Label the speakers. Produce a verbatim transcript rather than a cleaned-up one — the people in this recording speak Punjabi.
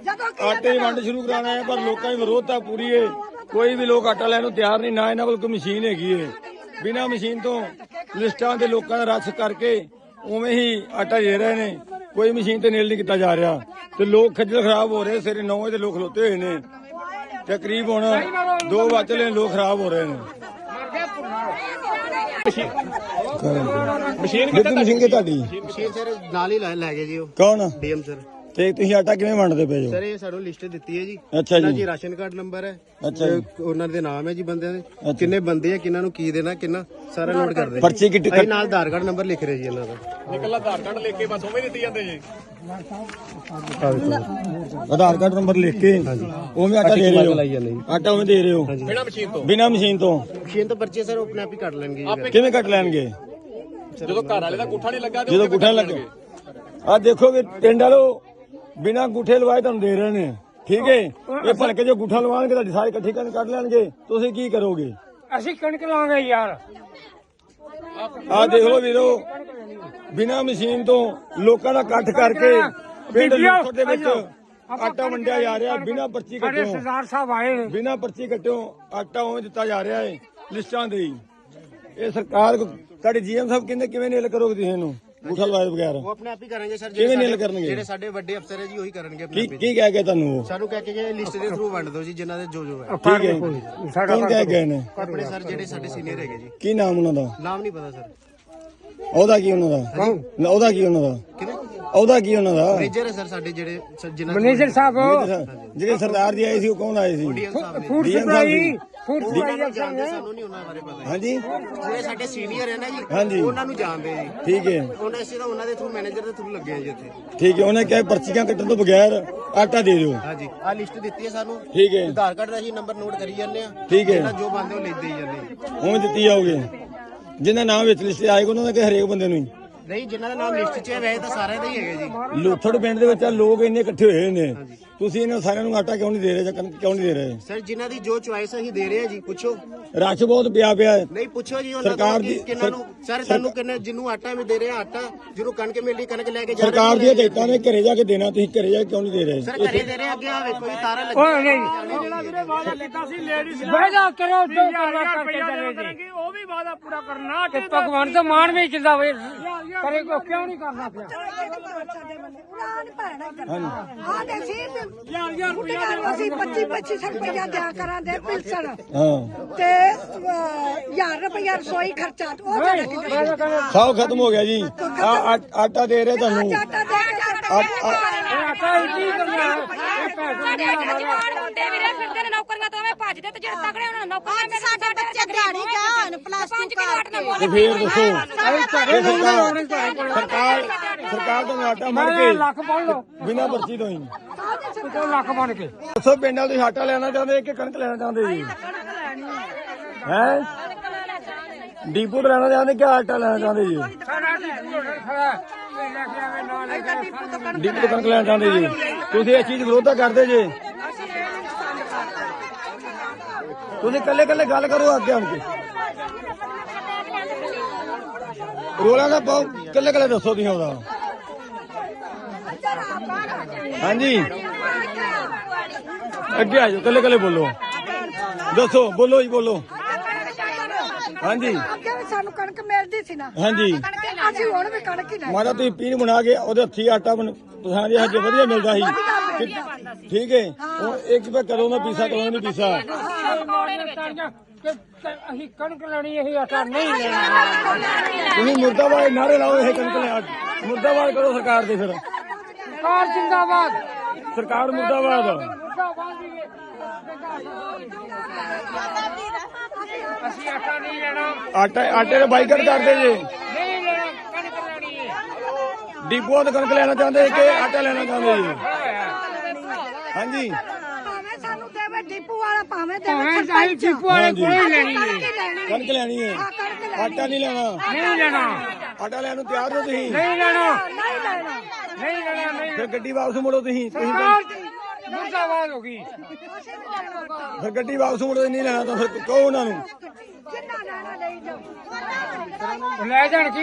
Speaker 1: आटे की वंड शुरू कराना है पर लोगों की विरोधता पूरी है। कोई भी लोग आटा लैन तैयार नहीं, ना इन्होंने कोई मशीन हैगी है। बिना मशीन तो लिस्टां के लोगों का रस करके उवें ही आटा दे रहे हैं। कोई मशीन ते नील नहीं किया जा रहा तो लोग खज्जल खराब हो रहे। सवेरे नौ बजे लोग खलोते हुए ने ते करीब हुण दो बज चले लोग खराब हो रहे हैं। मशीन मशीन के तुहाडी
Speaker 2: मशीन सर नाल ही लै गए जी।
Speaker 1: कौन
Speaker 2: डीएम सर
Speaker 1: ਤੇ ਤੁਸੀਂ ਆਟਾ ਕਿਵੇਂ ਵੰਡਦੇ ਪਏ ਹੋ?
Speaker 2: ਸਰ ਇਹ ਸਾਨੂੰ ਲਿਸਟ ਦਿੱਤੀ ਹੈ ਜੀ।
Speaker 1: ਅੱਛਾ ਜੀ,
Speaker 2: ਜੀ ਰਾਸ਼ਨ ਕਾਰਡ ਨੰਬਰ ਹੈ।
Speaker 1: ਅੱਛਾ ਜੀ,
Speaker 2: ਉਹਨਾਂ ਦੇ ਨਾਮ ਹੈ ਜੀ ਬੰਦਿਆਂ ਦੇ, ਕਿੰਨੇ ਬੰਦੇ ਆ, ਕਿੰਨਾਂ ਨੂੰ ਕੀ ਦੇਣਾ, ਕਿੰਨਾ ਸਾਰਾ ਨੋਟ ਕਰਦੇ।
Speaker 1: ਪਰਚੀ ਕਿੱਟ
Speaker 2: ਅਸੀਂ ਨਾਲ ਆਧਾਰ ਕਾਰਡ ਨੰਬਰ ਲਿਖ ਰਹੇ ਜੀ ਇਹਨਾਂ ਦਾ।
Speaker 3: ਨਿਕਲ ਆਧਾਰ ਕਾਰਡ ਲਿਖ ਕੇ ਬਸ ਉਵੇਂ ਦਿੱਤੀ ਜਾਂਦੇ ਜੀ।
Speaker 1: ਆਧਾਰ ਕਾਰਡ ਨੰਬਰ ਲਿਖ ਕੇ ਉਵੇਂ ਆਟਾ ਦੇ ਰਹੇ ਹੋ? ਆਟਾ ਉਵੇਂ ਦੇ ਰਹੇ ਹੋ
Speaker 3: ਬਿਨਾ ਮਸ਼ੀਨ ਤੋਂ?
Speaker 1: ਬਿਨਾ ਮਸ਼ੀਨ ਤੋਂ।
Speaker 2: ਮਸ਼ੀਨ ਤੋਂ ਪਰਚੀ ਸਰ ਆਪਣੇ ਆਪ ਹੀ ਕੱਟ ਲੈਣਗੇ।
Speaker 1: ਕਿਵੇਂ ਕੱਟ ਲੈਣਗੇ?
Speaker 3: ਜਦੋਂ ਘਰ ਵਾਲੇ ਦਾ ਗੁੱਠਾ ਨਹੀਂ ਲੱਗਾ
Speaker 1: ਜਦੋਂ ਗੁੱਠਾ ਲੱਗੇ। ਆ ਦੇਖੋ ਵੀ ਪਿੰਡ ਵਾਲੋ ਬਿਨਾ ਗੁੱਠੇ ਲਵਾਏ ਤੁਹਾਨੂੰ ਦੇ ਰਹੇ ਨੇ, ਠੀਕ ਹੈ। ਇਹ ਭਲਕੇ ਜੋ ਗੁੱਠਾ ਲਵਾਉਣਗੇ ਤੁਹਾਡੀ ਸਾਰੀ ਇਕੱਠੀ ਕਰਕੇ ਕੱਢ ਲੈਣਗੇ, ਤੁਸੀਂ ਕੀ ਕਰੋਗੇ?
Speaker 4: ਅਸੀਂ ਕਣਕ ਲਾਂਗੇ ਯਾਰ।
Speaker 1: ਆ ਦੇਖ ਲਓ ਵੀਰੋ, ਬਿਨਾ ਮਸ਼ੀਨ ਤੋਂ ਲੋਕਾਂ ਦਾ ਇਕੱਠ ਕਰਕੇ ਪਿੰਡ ਲੁੱਥੜ ਦੇ ਵਿੱਚ ਆਟਾ ਵੰਡਿਆ ਜਾ ਰਿਹਾ ਬਿਨਾ ਪਰਚੀ ਕੱਟਿਓ।
Speaker 4: ਸਰਦਾਰ ਸਾਹਿਬ ਆਏ ਨੇ,
Speaker 1: ਬਿਨਾ ਪਰਚੀ ਕੱਟਿਓ ਆਟਾ ਉਵੇਂ ਦਿੱਤਾ ਜਾ ਰਿਹਾ ਹੈ ਲਿਸਟਾਂ ਦੇ ਹੀ। ਇਹ ਸਰਕਾਰ ਤੁਹਾਡੇ ਜੀਐਮ ਸਾਹਿਬ ਕਹਿੰਦੇ ਕਿਵੇਂ ਨੀਲ ਕਰੋਗੇ ਤੁਸੀਂ ਇਹਨੂੰ ਗੁੱਠਾ ਲਵਾਏ ਬਗੈਰ?
Speaker 2: ਉਹ ਆਪਣੇ ਆਪ ਹੀ ਕਰਾਂਗੇ ਸਰ।
Speaker 1: ਕਿਵੇਂ ਨੀਲ ਕਰਨਗੇ?
Speaker 2: ਜਿਹੜੇ ਸਾਡੇ ਵੱਡੇ ਅਫਸਰ ਹੈ ਜੀ ਉਹੀ ਕਰਨਗੇ।
Speaker 1: ਕੀ ਕੀ ਕਹਿ ਗਏ ਤੁਹਾਨੂੰ? ਉਹ
Speaker 2: ਸਾਨੂੰ ਕਹਿ ਕੇ ਗਏ ਲਿਸਟ ਦੇ ਥਰੂ ਵੰਡ ਦਿਓ ਜੀ ਜਿਨ੍ਹਾਂ ਦੇ ਜੋ ਜੋ ਹੈ।
Speaker 1: ਠੀਕ ਹੈ, ਕੌਣ ਕਹਿ ਗਏ ਨੇ?
Speaker 2: ਆਪਣੇ ਸਰ ਜਿਹੜੇ ਸਾਡੇ ਸੀਨੀਅਰ ਹੈਗੇ ਜੀ।
Speaker 1: ਕੀ ਨਾਮ ਉਹਨਾਂ ਦਾ?
Speaker 2: ਨਾਮ ਨਹੀਂ ਪਤਾ ਸਰ।
Speaker 1: ਉਹਦਾ ਕੀ ਉਹਨਾਂ ਦਾ? ਉਹਦਾ ਕੀ ਉਹਨਾਂ ਦਾ?
Speaker 2: ਕਿਹਨੇ?
Speaker 1: ਉਹਦਾ ਕੀ ਉਹਨਾਂ ਦਾ?
Speaker 2: ਮੈਨੇਜਰ ਹੈ ਸਰ ਸਾਡੇ ਜਿਹੜੇ ਜਿਨ੍ਹਾਂ
Speaker 4: ਮੈਨੇਜਰ ਸਾਹਿਬ
Speaker 1: ਜਿਹੜੇ ਸਰਦਾਰ ਜੀ ਆਏ ਸੀ ਉਹ ਕੌਣ ਆਏ ਸੀ?
Speaker 2: ਡੀਐਮ ਸਾਹਿਬ ਨੇ।
Speaker 4: ਫੂਡ ਸਪਲਾਈ ਫੂਡ ਸਪਲਾਈ
Speaker 2: ਜਾਣਦੇ ਸਾਨੂੰ ਨਹੀਂ ਉਹਨਾਂ ਬਾਰੇ ਪਤਾ।
Speaker 1: ਹਾਂਜੀ,
Speaker 2: ਜਿਹੜੇ ਸਾਡੇ ਸੀਨੀਅਰ ਹੈ ਨਾ
Speaker 1: ਹਾਂਜੀ।
Speaker 2: ਜੀ ਉਹਨਾਂ ਨੂੰ ਜਾਣਦੇ ਜੀ।
Speaker 1: ਠੀਕ ਹੈ,
Speaker 2: ਉਹਨਾਂ ਅਸੀਂ ਤਾਂ ਉਹਨਾਂ ਦੇ ਥਰੂ ਮੈਨੇਜਰ ਦੇ ਥਰੂ ਲੱਗੇ ਆ ਜੀ ਇੱਥੇ।
Speaker 1: ਠੀਕ ਹੈ। ਉਹਨੇ ਕਿਹਾ ਪਰਚੀਆਂ ਕੱਟਣ ਤੋਂ ਬਗੈਰ ਆਟਾ ਦੇ ਦਿਓ।
Speaker 2: ਹਾਂਜੀ ਆਹ ਲਿਸਟ ਦਿੱਤੀ ਹੈ ਸਾਨੂੰ।
Speaker 1: ਠੀਕ ਹੈ,
Speaker 2: ਆਧਾਰ ਕਾਰਡ ਦਾ ਅਸੀਂ ਨੰਬਰ ਨੋਟ ਕਰੀ ਜਾਂਦੇ ਆ।
Speaker 1: ਠੀਕ ਹੈ,
Speaker 2: ਜੋ ਬੰਦੇ ਉਹ ਲੈਂਦੇ ਹੀ ਜਾਂਦੇ।
Speaker 1: ਉਵੇਂ ਦਿੱਤੀ ਜਾਓਗੇ। ਜਿਨ੍ਹਾਂ ਨਾਮ ਵਿੱਚ ਲਿਸਟ ਆਏਗਾ ਉਹਨਾਂ ਦਾ ਕਿ ਹਰੇਕ ਬੰਦੇ ਨੂੰ ਹੀ?
Speaker 2: ਨਹੀਂ ਜਿਨ੍ਹਾਂ ਦਾ ਨਾਮ ਲਿਸਟ 'ਚ ਹੈ ਵੈਸੇ ਤਾਂ ਸਾਰਿਆਂ ਦਾ ਹੀ ਹੈਗਾ ਜੀ।
Speaker 1: ਲੁੱਥੜ ਪਿੰਡ ਦੇ ਵਿੱਚ ਲੋਕ ਇੰਨੇ ਇਕੱਠੇ ਹੋਏ ਨੇ, ਤੁਸੀਂ ਇਹਨਾਂ ਸਾਰਿਆਂ ਨੂੰ ਆਟਾ ਕਿਉਂ ਨਹੀਂ ਦੇ ਰਹੇ ਜਾਂ ਕਣਕ ਕਿਉਂ ਨਹੀਂ ਦੇ ਰਹੇ?
Speaker 2: ਸਰ ਜਿਨ੍ਹਾਂ ਦੀ ਜੋ ਚੁਆਇਸ ਅਸੀਂ ਦੇ ਰਹੇ ਆ ਜੀ। ਪੁੱਛੋ,
Speaker 1: ਰਸ਼ ਬਹੁਤ ਪਿਆ ਪਿਆ ਹੈ।
Speaker 2: ਨਹੀਂ ਪੁੱਛੋ ਜੀ ਉਹਨਾਂ
Speaker 1: ਸਰਕਾਰ
Speaker 2: ਤੋਂ
Speaker 1: ਦੀ
Speaker 2: ਕਿੰਨਾਂ ਨੂੰ। ਸਰ ਤੁਹਾਨੂੰ ਕਿੰਨੇ ਜਿਹਨੂੰ ਆਟਾ ਵੀ ਦੇ ਰਹੇ ਆ ਆਟਾ, ਜਿਹਨੂੰ ਕਣਕ ਮਿਲ ਰਹੀ ਕਣਕ ਲੈ ਕੇ ਜਾ ਰਹੇ।
Speaker 1: ਸਰਕਾਰ ਦੀਆਂ ਹਦਾਇਤਾਂ ਨੇ ਘਰੇ ਜਾ ਕੇ ਦੇਣਾ, ਤੁਸੀਂ ਘਰੇ ਜਾ ਕੇ ਕਿਉਂ ਨਹੀਂ ਦੇ ਰਹੇ?
Speaker 2: ਸਰ ਘਰੇ ਦੇ ਰਹੇ ਅੱਗੇ ਆ ਵੇਖੋ ਜੀ ਤਾਰਾ ਲੱਗੀ।
Speaker 4: ਓਏ ਨਹੀਂ ਜਿਹੜਾ ਵੀਰੇ ਵਾਅਦਾ ਕੀਤਾ ਸੀ ਲੇਡੀਜ਼ ਨਾਲ ਵਾਅਦਾ ਕਰੋ ਜੋ ਕਰਨਾ ਕਰਕੇ ਚੱਲੇ ਉਹ ਵੀ ਵਾਅਦਾ ਪੂਰਾ ਕਰਨਾ। ਤੇ ਭਗਵਾਨ ਦਾ ਮਾਣ ਵੀ ਚਲਦਾ ਵੇ ਕਰੇ ਕੋ ਕਿਉਂ ਨਹੀਂ ਕਰਨਾ ਪਿਆ?
Speaker 5: ਅਸੀਂ ਪੱਚੀ ਪੱਚੀ ਸੌ ਰੁਪਇਆ ਦਿਆ ਕਰਾਂਗੇ ਪਿਲਸਣ
Speaker 1: ਹਾਂ,
Speaker 5: ਤੇ ਹਜ਼ਾਰ ਰੁਪਇਆ ਰਸੋਈ ਖਰਚਾ ਉਹ ਸਾਡਾ ਕਿੰਨਾ
Speaker 1: ਸਭ ਖਤਮ ਹੋ ਗਿਆ ਜੀ। ਆ ਆਟਾ ਦੇ ਰਹੇ ਤੁਹਾਨੂੰ।
Speaker 5: ਆਟਾ ਦੇ ਕੇ
Speaker 4: ਆਟਾ ਕੀ ਕਰਨਾ ਹੈ? ਇਹ ਪੈਸੇ ਨਹੀਂ ਆਉਣਾ।
Speaker 6: ਜਵਾਨ ਮੁੰਡੇ ਵੀਰੇ ਫਿਰਦੇ ਨੇ ਨੌਕਰੀਆਂ ਤੋਂ ਐਵੇਂ ਭੱਜਦੇ ਤੇ ਜਿਹੜੇ ਤਗੜੇ ਉਹਨਾਂ ਨੂੰ ਨੌਕਰੀਆਂ ਮਿਲਦੀਆਂ।
Speaker 5: ਸਾਡੇ ਬੱਚੇ ਦਿਹਾੜੀ ਜਾਣ ਪਲੱਸ ਟੂ ਕਰਕੇ
Speaker 1: ਤੇ ਫੇਰ ਦੱਸੋ ਸਰਕਾਰ ਸਰਕਾਰ ਤੋਂ ਆਟਾ ਮੜ ਕੇ
Speaker 4: ਲੱਖ ਪੜ ਲਓ
Speaker 1: ਬਿਨਾਂ ਪਰਚੀ ਤੋਂ ਹੀ
Speaker 4: ਤੂੰ ਲੱਖ ਬਣ ਕੇ
Speaker 1: ਦੱਸੋ ਪਿੰਡ ਵਾਲੇ ਤੁਸੀਂ ਆਟਾ ਲੈਣਾ ਚਾਹੁੰਦੇ ਕਿ ਕਣਕ ਲੈਣਾ ਚਾਹੁੰਦੇ ਜੀ? ਹੈ ਡੀਪੂ ਤੋਂ ਲੈਣਾ ਚਾਹੁੰਦੇ ਕਿ ਆਟਾ ਲੈਣਾ ਚਾਹੁੰਦੇ ਜੀ?
Speaker 4: ਸਾਡਾ ਡੀਪੂ ਖੜਾ ਇਹ ਲੈ ਕੇ ਆਵੇ ਨਾ ਲੈ ਕੇ
Speaker 1: ਡੀਪੂ ਤੋਂ ਕਣਕ ਲੈਣਾ ਚਾਹੁੰਦੇ ਜੀ? ਤੁਸੀਂ ਇਹ ਚੀਜ਼ ਵਿਰੋਧਤਾ ਕਰਦੇ ਜੇ? ਤੁਸੀਂ ਕੱਲੇ ਕੱਲੇ ਗੱਲ ਕਰੋ ਅੱਗੇ ਆਣ ਕੇ, ਰੋਲਾ ਨਾ ਪਾਓ, ਕੱਲੇ ਕੱਲੇ ਦੱਸੋ ਤੁਸੀਂ ਉਹਦਾ। ਹਾਂਜੀ ਅੱਗੇ ਆ ਜਾਓ, ਕੱਲੇ ਕੱਲੇ ਬੋਲੋ, ਦੱਸੋ, ਬੋਲੋ ਜੀ ਬੋਲੋ। ਹਾਂਜੀ
Speaker 5: ਅੱਗੇ ਵੀ ਸਾਨੂੰ ਕਣਕ ਮਿਲਦੀ ਸੀ ਨਾ।
Speaker 1: ਹਾਂਜੀ
Speaker 5: ਅਸੀਂ ਹੁਣ ਵੀ ਕਣਕ ਹੀ ਲੈ
Speaker 1: ਮਾਰਾ ਤੁਸੀਂ ਪੀਣ ਬਣਾ ਕੇ ਉਹਦੇ ਹੱਥੀ ਆਟਾ ਬਣ ਪਸਾਂਦੇ ਹਜੇ ਵਧੀਆ ਮਿਲਦਾ ਸੀ, ਠੀਕ ਹੈ। ਹੁਣ ਇੱਕ ਵਾਰ ਕਦੋਂ ਦਾ ਪੀਸਾ ਕਦੋਂ ਨਹੀਂ ਪੀਸਾ।
Speaker 4: ਅਸੀਂ ਕਣਕ ਲੈਣੀ ਇਹ ਆਟਾ ਨਹੀਂ ਲੈਣਾ।
Speaker 1: ਤੁਸੀਂ ਮੁਰਦਾਬਾਦ ਨਾਰੇ ਲਾਓ, ਇਹ ਕਣਕ ਲੈ ਮੁਰਦਾਬਾਦ ਕਰੋ ਸਰਕਾਰ ਦੇ। ਫਿਰ
Speaker 4: ਸਰਕਾਰ ਜਿੰਦਾਬਾਦ,
Speaker 1: ਸਰਕਾਰ ਮੁਰਦਾਬਾਦ।
Speaker 4: ਅਸੀਂ ਆਟਾ ਨਹੀਂ ਲੈਣਾ।
Speaker 1: ਆਟਾ ਆਟੇ ਦਾ ਬਾਈਕਾਟ ਕਰਦੇ ਜੇ?
Speaker 4: ਨਹੀਂ ਲੈਣਾ, ਕਣਕ ਲੈਣੀ ਹੈ।
Speaker 1: ਡੀਪੂਆਂ ਤੋਂ ਕਣਕ ਲੈਣਾ ਚਾਹੁੰਦੇ ਕਿ ਆਟਾ ਲੈਣਾ ਚਾਹੁੰਦੇ ਜੀ? ਹਾਂਜੀ
Speaker 5: ਭਾਵੇਂ ਸਾਨੂੰ ਦੇਵੇ ਡੀਪੂ ਵਾਲਾ, ਭਾਵੇਂ
Speaker 4: ਭਾਵੇਂ
Speaker 5: ਦੇਵੇ
Speaker 4: ਚਾਹੇ ਡੀਪੂ ਵਾਲੇ ਕੋਈ ਲੈਣੀ ਨਹੀਂ।
Speaker 1: ਕਣਕ ਲੈਣੀ ਹੈ, ਆਟਾ ਨਹੀਂ ਲੈਣਾ।
Speaker 4: ਨਹੀਂ ਲੈਣਾ,
Speaker 1: ਆਟਾ ਲੈਣ ਨੂੰ ਤਿਆਰ ਹੋ ਤੁਸੀਂ?
Speaker 4: ਨਹੀਂ ਲੈਣਾ,
Speaker 5: ਨਹੀਂ ਲੈਣਾ।
Speaker 4: ਨਹੀਂ ਲੈਣਾ, ਨਹੀਂ।
Speaker 1: ਫਿਰ ਗੱਡੀ ਵਾਪਸ ਮੁੜੋ ਤੁਸੀਂ। ਤੁਸੀਂ
Speaker 4: ਸਰਕਾਰ ਮੁਰਦਾਬਾਦ ਹੋ ਗਈ।
Speaker 1: ਫਿਰ ਗੱਡੀ ਵਾਪਸ ਮੁੜੋ, ਨਹੀਂ ਲੈਣਾ ਤਾਂ ਫਿਰ ਕਹੋ ਉਹਨਾਂ ਨੂੰ।
Speaker 5: ਜਿੰਨਾ ਲੈਣਾ ਲਈ ਜਾਓ।
Speaker 4: ਲੈ ਜਾਣ ਕੀ